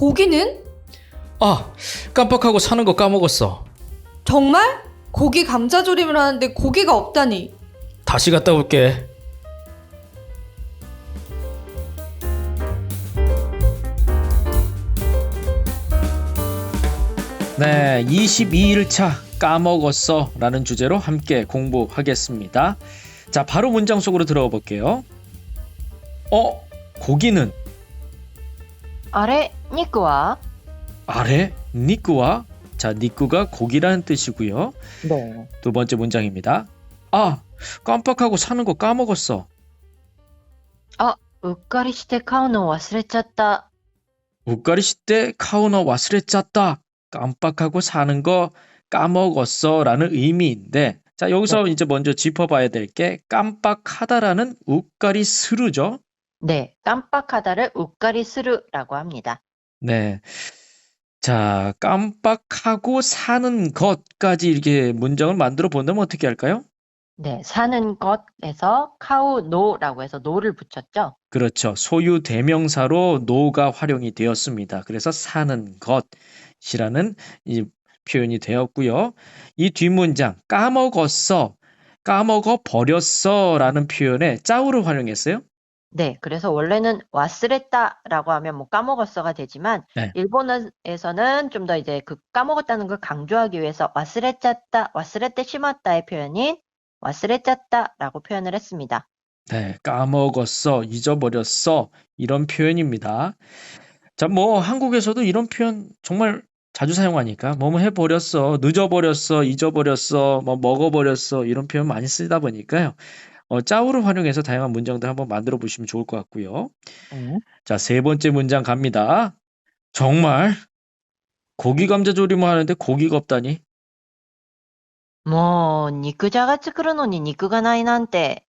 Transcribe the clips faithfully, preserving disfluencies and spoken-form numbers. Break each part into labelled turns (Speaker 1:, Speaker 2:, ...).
Speaker 1: 고기는?
Speaker 2: 아, 깜빡하고 사는 거 까먹었어.
Speaker 1: 정말? 고기 감자조림을 하는데 고기가 없다니.
Speaker 2: 다시 갔다 올게. 네, 이십이 일 차 까먹었어 라는 주제로 함께 공부하겠습니다. 자, 바로 문장 속으로 들어가 볼게요. 어, 고기는?
Speaker 3: あれ、肉は
Speaker 2: 아래, 니꾸와? 자, 니꾸가 고기라는 뜻이고요.
Speaker 3: 네.
Speaker 2: 두 번째 문장입니다. 아, 깜빡하고 사는 거 까먹었어.
Speaker 3: うっかりして買うのを忘れちゃった。
Speaker 2: 우까리시 때 카우너 와스레 짰다. 깜빡하고 사는 거 까먹었어 라는 의미인데, 자, 여기서 이제 먼저 짚어봐야 될 게 깜빡하다라는 우까리 스루죠.
Speaker 3: 네, 깜빡하다를 우까리 스루라고 합니다.
Speaker 2: 네. 자, 깜빡하고 사는 것까지 이렇게 문장을 만들어 본다면 어떻게 할까요?
Speaker 3: 네, 사는 것에서 카우노라고 해서 노를 붙였죠.
Speaker 2: 그렇죠. 소유 대명사로 노가 활용이 되었습니다. 그래서 사는 것이라는 이 표현이 되었고요. 이 뒷문장 까먹었어, 까먹어 버렸어 라는 표현에 짜우를 활용했어요.
Speaker 3: 네, 그래서 원래는 와스레타라고 하면 뭐 까먹었어가 되지만
Speaker 2: 네.
Speaker 3: 일본어에서는 좀 더 이제 그 까먹었다는 걸 강조하기 위해서 와스레짰다, 와스레테 시마타의 표현인 와스레짰다라고 표현을 했습니다.
Speaker 2: 네, 까먹었어, 잊어버렸어 이런 표현입니다. 자, 뭐 한국에서도 이런 표현 정말 자주 사용하니까 뭐뭐 해버렸어, 늦어버렸어, 잊어버렸어, 뭐 먹어버렸어 이런 표현 많이 쓰다 보니까요. 어, 짜우를 활용해서 다양한 문장들 한번 만들어 보시면 좋을 것 같고요.
Speaker 3: 음.
Speaker 2: 자, 세 번째 문장 갑니다. 정말 고기 감자 조림을 하는데 고기가 없다니?
Speaker 3: もう肉じゃが作るのに肉がないなんて。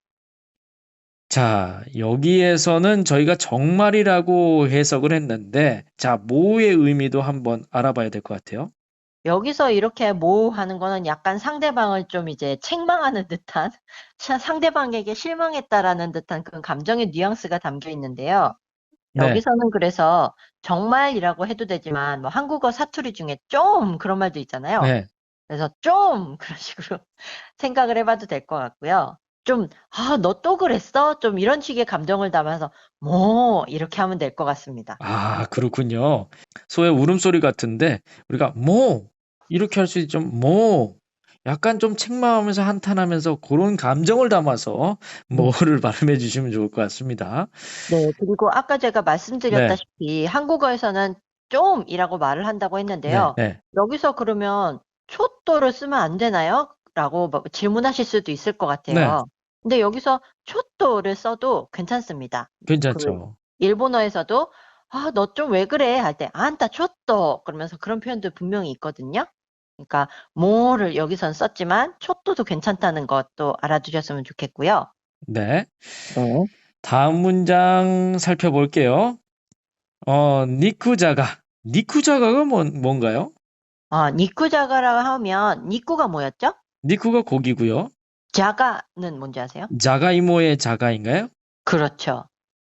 Speaker 2: 자, 여기에서는 저희가 정말이라고 해석을 했는데, 자, 뭐의 의미도 한번 알아봐야 될 것 같아요.
Speaker 3: 여기서 이렇게 뭐 하는 거는 약간 상대방을 좀 이제 책망하는 듯한, 사- 상대방에게 실망했다라는 듯한 그런 감정의 뉘앙스가 담겨 있는데요.
Speaker 2: 네,
Speaker 3: 여기서는 그래서 정말이라고 해도 되지만 뭐 한국어 사투리 중에 좀 그런 말도 있잖아요.
Speaker 2: 네.
Speaker 3: 그래서 좀 그런 식으로 생각을 해봐도 될 것 같고요. 좀, 아, 너 또 그랬어? 좀 이런 식의 감정을 담아서 뭐 이렇게 하면 될 것 같습니다.
Speaker 2: 아, 그렇군요. 소의 울음소리 같은데, 우리가 뭐, 이렇게 할 수 있죠. 뭐, 약간 좀 책망하면서 한탄하면서 그런 감정을 담아서 뭐를 발음해 주시면 좋을 것 같습니다.
Speaker 3: 네, 그리고 아까 제가
Speaker 2: 네,
Speaker 3: 말씀드렸다시피 한국어에서는 좀이라고 말을 한다고
Speaker 2: 네,
Speaker 3: 했는데요.
Speaker 2: 네.
Speaker 3: 여기서 그러면 초또를 쓰면 안 되나요? 라고 뭐 질문하실 수도 있을 것
Speaker 2: 네,
Speaker 3: 같아요. 근데 여기서 초또를 써도 괜찮습니다. 그
Speaker 2: 괜찮죠.
Speaker 3: 일본어에서도 아, 너 좀 왜 그래? 할 때 안타 초또 그러면서 그런 표현도 분명히 있거든요. 그러니까 뭐를 여기선 썼지만 초또도 괜찮다는 것도 알아두셨으면 좋겠고요.
Speaker 2: 네.
Speaker 3: 네.
Speaker 2: 다음 문장 살펴볼게요. 어, 니쿠자가. 니쿠자가가 뭔, 뭔가요?
Speaker 3: 아, 니쿠자가라고 하면 니쿠가 뭐였죠?
Speaker 2: 니쿠가 고기고요.
Speaker 3: 자가는 뭔지 아세요?
Speaker 2: 자가이모의 자가인가요?
Speaker 3: 그렇죠.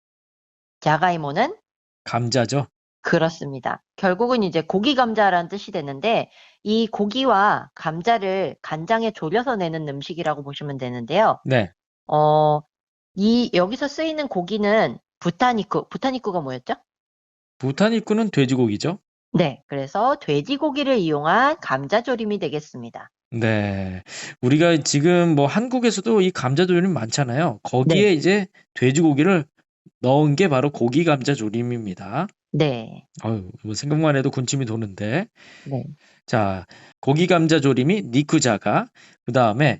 Speaker 3: 자가이모는
Speaker 2: 감자죠.
Speaker 3: 그렇습니다. 결국은 이제 고기 감자라는 뜻이 되는데 이 고기와 감자를 간장에 졸여서 내는 음식이라고 보시면 되는데요.
Speaker 2: 네.
Speaker 3: 어, 이 여기서 쓰이는 고기는 부타니쿠, 부타니쿠가 뭐였죠?
Speaker 2: 부타니쿠는 돼지고기죠.
Speaker 3: 네, 그래서 돼지고기를 이용한 감자조림이 되겠습니다.
Speaker 2: 네. 우리가 지금 뭐 한국에서도 이 감자조림 많잖아요.
Speaker 3: 네,
Speaker 2: 거기에 이제 돼지고기를 넣은 게 바로 고기 감자조림입니다.
Speaker 3: 네,
Speaker 2: 어휴, 뭐 생각만 해도 군침이 도는데.
Speaker 3: 네.
Speaker 2: 자, 고기 감자조림이 니쿠자가, 그 다음에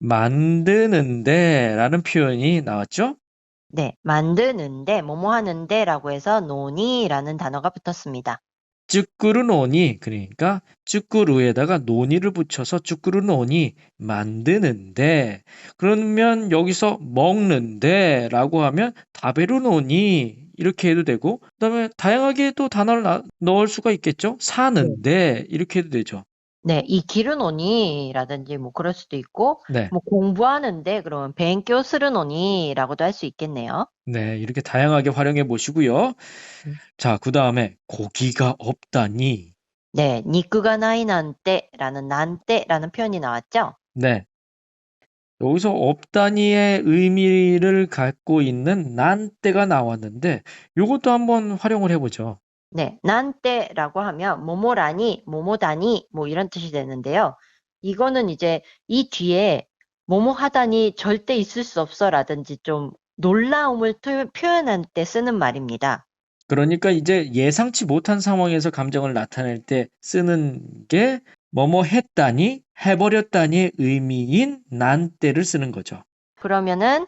Speaker 2: 만드는데 라는 표현이 나왔죠?
Speaker 3: 네, 만드는데, 뭐뭐 하는데라고 해서 노니라는 단어가 붙었습니다.
Speaker 2: 쭈꾸르노니, 그러니까 쭈꾸루에다가 노니를 붙여서 쭈꾸르노니 만드는데, 그러면 여기서 먹는데 라고 하면 다베르노니 이렇게 해도 되고, 그 다음에 다양하게 또 단어를 나- 넣을 수가 있겠죠?
Speaker 3: 네,
Speaker 2: 사는데 이렇게 해도 되죠.
Speaker 3: 네, 이 길은 오니라든지 뭐 그럴 수도 있고,
Speaker 2: 네.
Speaker 3: 뭐 공부하는데 그러면 벤교 스르노니라고도 할 수 있겠네요.
Speaker 2: 네, 이렇게 다양하게 활용해 보시고요.
Speaker 3: 음.
Speaker 2: 자, 그 다음에 고기가 없다니.
Speaker 3: 네, 니크가 나이 난때라는 난때라는 표현이 나왔죠?
Speaker 2: 네. 여기서 없다니의 의미를 갖고 있는 난 때가 나왔는데 요것도 한번 활용을 해보죠.
Speaker 3: 네, 난때라고 하면 뭐뭐라니, 뭐뭐다니 뭐 이런 뜻이 되는데요. 이거는 이제 이 뒤에 뭐뭐 하다니 절대 있을 수 없어라든지 좀 놀라움을 표- 표현할 때 쓰는 말입니다.
Speaker 2: 그러니까 이제 예상치 못한 상황에서 감정을 나타낼 때 쓰는 게 뭐뭐 했다니, 해버렸다니의 의미인 난 때를 쓰는 거죠.
Speaker 3: 그러면은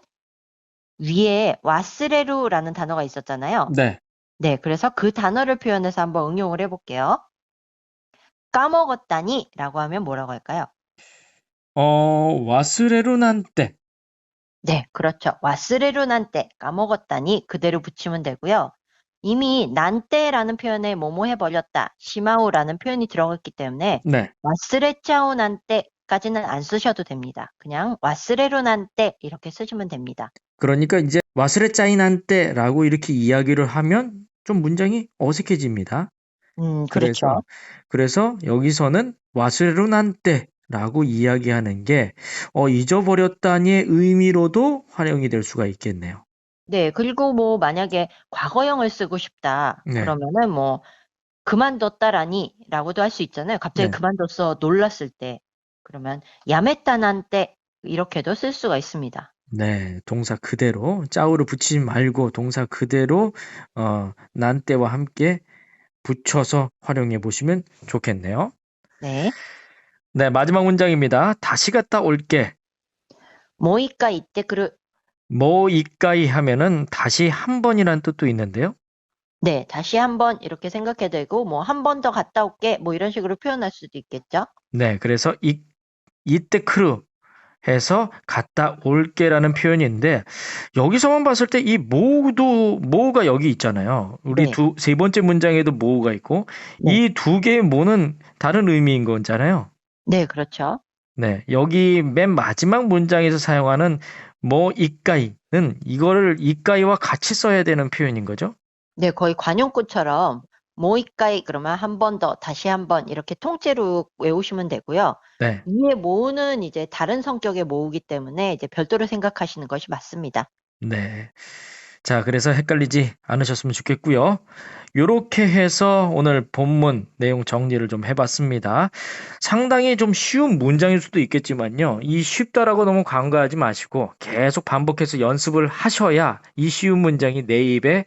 Speaker 3: 위에 와스레루라는 단어가 있었잖아요.
Speaker 2: 네.
Speaker 3: 네, 그래서 그 단어를 표현해서 한번 응용을 해볼게요. 까먹었다니 라고 하면 뭐라고 할까요?
Speaker 2: 어, 와스레루 난 때.
Speaker 3: 네, 그렇죠. 와스레루 난때 까먹었다니 그대로 붙이면 되고요. 이미 난때라는 표현에 뭐뭐 해버렸다, 시마우라는 표현이 들어갔기 때문에
Speaker 2: 네.
Speaker 3: 와스레짜오 난때까지는 안 쓰셔도 됩니다. 그냥 와스레루 난때 이렇게 쓰시면 됩니다.
Speaker 2: 그러니까 이제 와스레 짜이 난 때라고 이렇게 이야기를 하면 좀 문장이 어색해집니다.
Speaker 3: 음, 그렇죠.
Speaker 2: 그래서 그래서 여기서는 와스레루 난 때라고 이야기하는 게 어, 잊어버렸다니의 의미로도 활용이 될 수가 있겠네요.
Speaker 3: 네, 그리고 뭐 만약에 과거형을 쓰고 싶다
Speaker 2: 네.
Speaker 3: 그러면은 뭐 그만뒀다라니 라고도 할 수 있잖아요. 갑자기
Speaker 2: 네.
Speaker 3: 그만뒀어 놀랐을 때. 그러면 야메따난 때 이렇게도 쓸 수가 있습니다.
Speaker 2: 네, 동사 그대로 짜오를 붙이지 말고 동사 그대로 어, 난 때와 함께 붙여서 활용해 보시면 좋겠네요.
Speaker 3: 네.
Speaker 2: 네, 마지막 문장입니다. 다시 갔다 올게.
Speaker 3: 모이까 이때 그르.
Speaker 2: 뭐 이까이 하면은 다시 한 번이란 뜻도 있는데요.
Speaker 3: 네, 다시 한번 이렇게 생각해도 되고 뭐 한 번 더 갔다 올게 뭐 이런 식으로 표현할 수도 있겠죠.
Speaker 2: 네, 그래서 이 이때 크루 해서 갔다 올게라는 표현인데 여기서만 봤을 때 이 모도 모가 여기 있잖아요. 우리
Speaker 3: 네.
Speaker 2: 두 세 번째 문장에도 모가 있고
Speaker 3: 네.
Speaker 2: 이 두 개의 모는 다른 의미인 거잖아요.
Speaker 3: 네, 그렇죠.
Speaker 2: 네, 여기 맨 마지막 문장에서 사용하는 뭐 이까이는 이거를 이까이와 같이 써야 되는 표현인 거죠.
Speaker 3: 네, 거의 관용구처럼 모이까이 그러면 한 번 더, 다시 한 번 이렇게 통째로 외우시면 되고요.
Speaker 2: 네.
Speaker 3: 위에 모으는 이제 다른 성격의 모으기 때문에 이제 별도로 생각하시는 것이 맞습니다.
Speaker 2: 네. 자, 그래서 헷갈리지 않으셨으면 좋겠고요. 요렇게 해서 오늘 본문 내용 정리를 좀 해봤습니다. 상당히 좀 쉬운 문장일 수도 있겠지만요. 이 쉽다라고 너무 간과하지 마시고 계속 반복해서 연습을 하셔야 이 쉬운 문장이 내 입에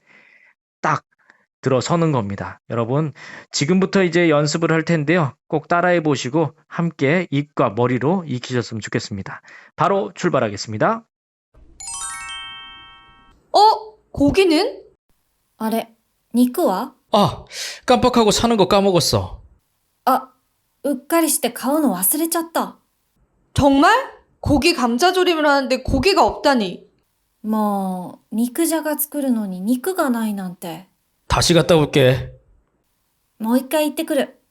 Speaker 2: 딱 들어서는 겁니다. 여러분, 지금부터 이제 연습을 할 텐데요. 꼭 따라해 보시고 함께 입과 머리로 익히셨으면 좋겠습니다. 바로 출발하겠습니다.
Speaker 1: 어? 고기는?
Speaker 4: あれ、肉は
Speaker 2: 아, 깜빡하고 사는 거 까먹었어.
Speaker 4: あ、うっかりして買うの忘れちゃった。
Speaker 1: 정말? 고기 감자조림을 하는데 고기가 없다니.
Speaker 4: もう、肉じゃが作るのに肉がないなんて。
Speaker 2: 다시 갔다 올게.
Speaker 4: もう一回行ってくる。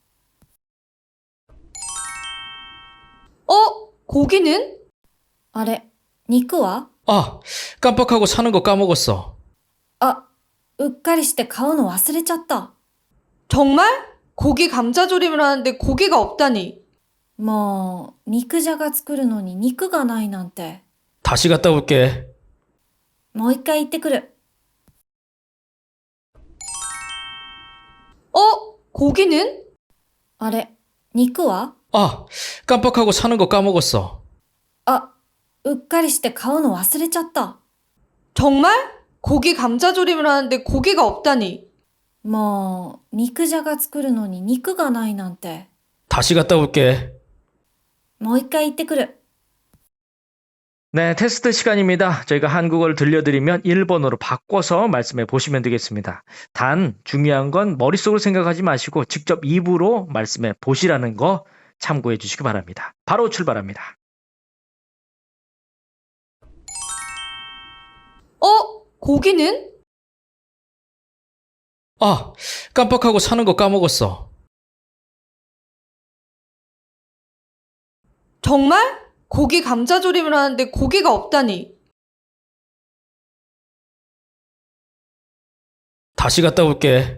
Speaker 1: 어? 고기는?
Speaker 4: あれ、肉は
Speaker 2: 아, 깜빡하고 사는 거 까먹었어.
Speaker 4: あ、うっかりして買うの忘れちゃった。
Speaker 1: 정말? 고기 감자조림을 하는데 고기가 없다니.
Speaker 4: もう、肉じゃが作るのに肉がないなんて。
Speaker 2: 다시 갔다 올게.
Speaker 4: もう一回行ってくる。
Speaker 1: 어? 고기는?
Speaker 4: あれ、肉は
Speaker 2: 아, 깜빡하고 사는 거 까먹었어.
Speaker 4: あ、うっかりして買うの忘れちゃった。
Speaker 1: 정말? 고기 감자조림을 하는데 고기가 없다니.
Speaker 4: もう、肉じゃが作るのに肉がないなんて。
Speaker 2: 다시 갔다 올게.
Speaker 4: もう一回行ってくる。
Speaker 2: 네, 테스트 시간입니다. 저희가 한국어를 들려드리면 일본어로 바꿔서 말씀해 보시면 되겠습니다. 단 중요한 건 머릿속으로 생각하지 마시고 직접 입으로 말씀해 보시라는 거 참고해 주시기 바랍니다. 바로 출발합니다.
Speaker 1: 어? 고기는?
Speaker 2: 아, 깜빡하고 사는 거 까먹었어.
Speaker 1: 정말? 고기 감자조림을 하는데 고기가 없다니.
Speaker 5: 다시 갔다 올게.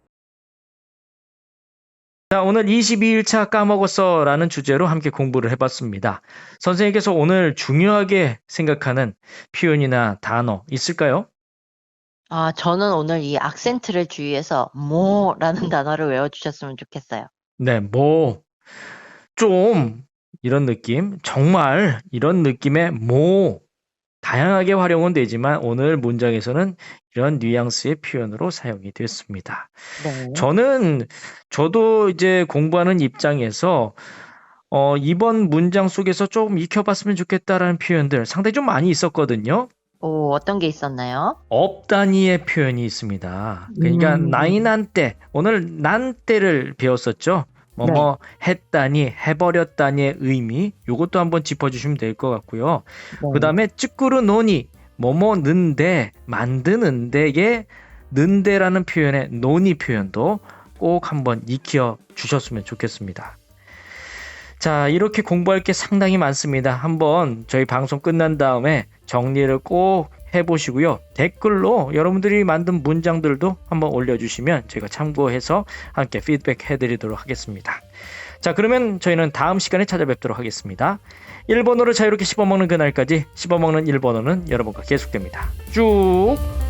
Speaker 2: 자, 오늘 이십이 일차 까먹었어 라는 주제로 함께 공부를 해봤습니다. 선생님께서 오늘 중요하게 생각하는 표현이나 단어 있을까요?
Speaker 3: 아, 저는 오늘 이 악센트를 주의해서 뭐라는 단어를 외워주셨으면 좋겠어요.
Speaker 2: 네, 뭐, 좀, 이런 느낌, 정말, 이런 느낌의 뭐, 다양하게 활용은 되지만 오늘 문장에서는 이런 뉘앙스의 표현으로 사용이 됐습니다.
Speaker 3: 네.
Speaker 2: 저는, 저도 이제 공부하는 입장에서, 어, 이번 문장 속에서 조금 익혀봤으면 좋겠다라는 표현들 상당히 좀 많이 있었거든요.
Speaker 3: 오, 어떤 게 있었나요?
Speaker 2: 업단위의 표현이 있습니다. 그러니까
Speaker 3: 음.
Speaker 2: 나이난때, 오늘 난때를 배웠었죠. 뭐뭐 했다니, 해버렸다니의 의미, 요것도 한번 짚어주시면 될 것 같고요.
Speaker 3: 네.
Speaker 2: 그 다음에 찌꾸르 노니, 뭐뭐 는데, 만드는데의 는데라는 표현의 노니 표현도 꼭 한번 익혀 주셨으면 좋겠습니다. 자, 이렇게 공부할 게 상당히 많습니다. 한번 저희 방송 끝난 다음에 정리를 꼭 해보시고요. 댓글로 여러분들이 만든 문장들도 한번 올려주시면 제가 참고해서 함께 피드백 해드리도록 하겠습니다. 자, 그러면 저희는 다음 시간에 찾아뵙도록 하겠습니다. 일본어를 자유롭게 씹어먹는 그날까지 씹어먹는 일본어는 여러분과 계속됩니다. 쭉!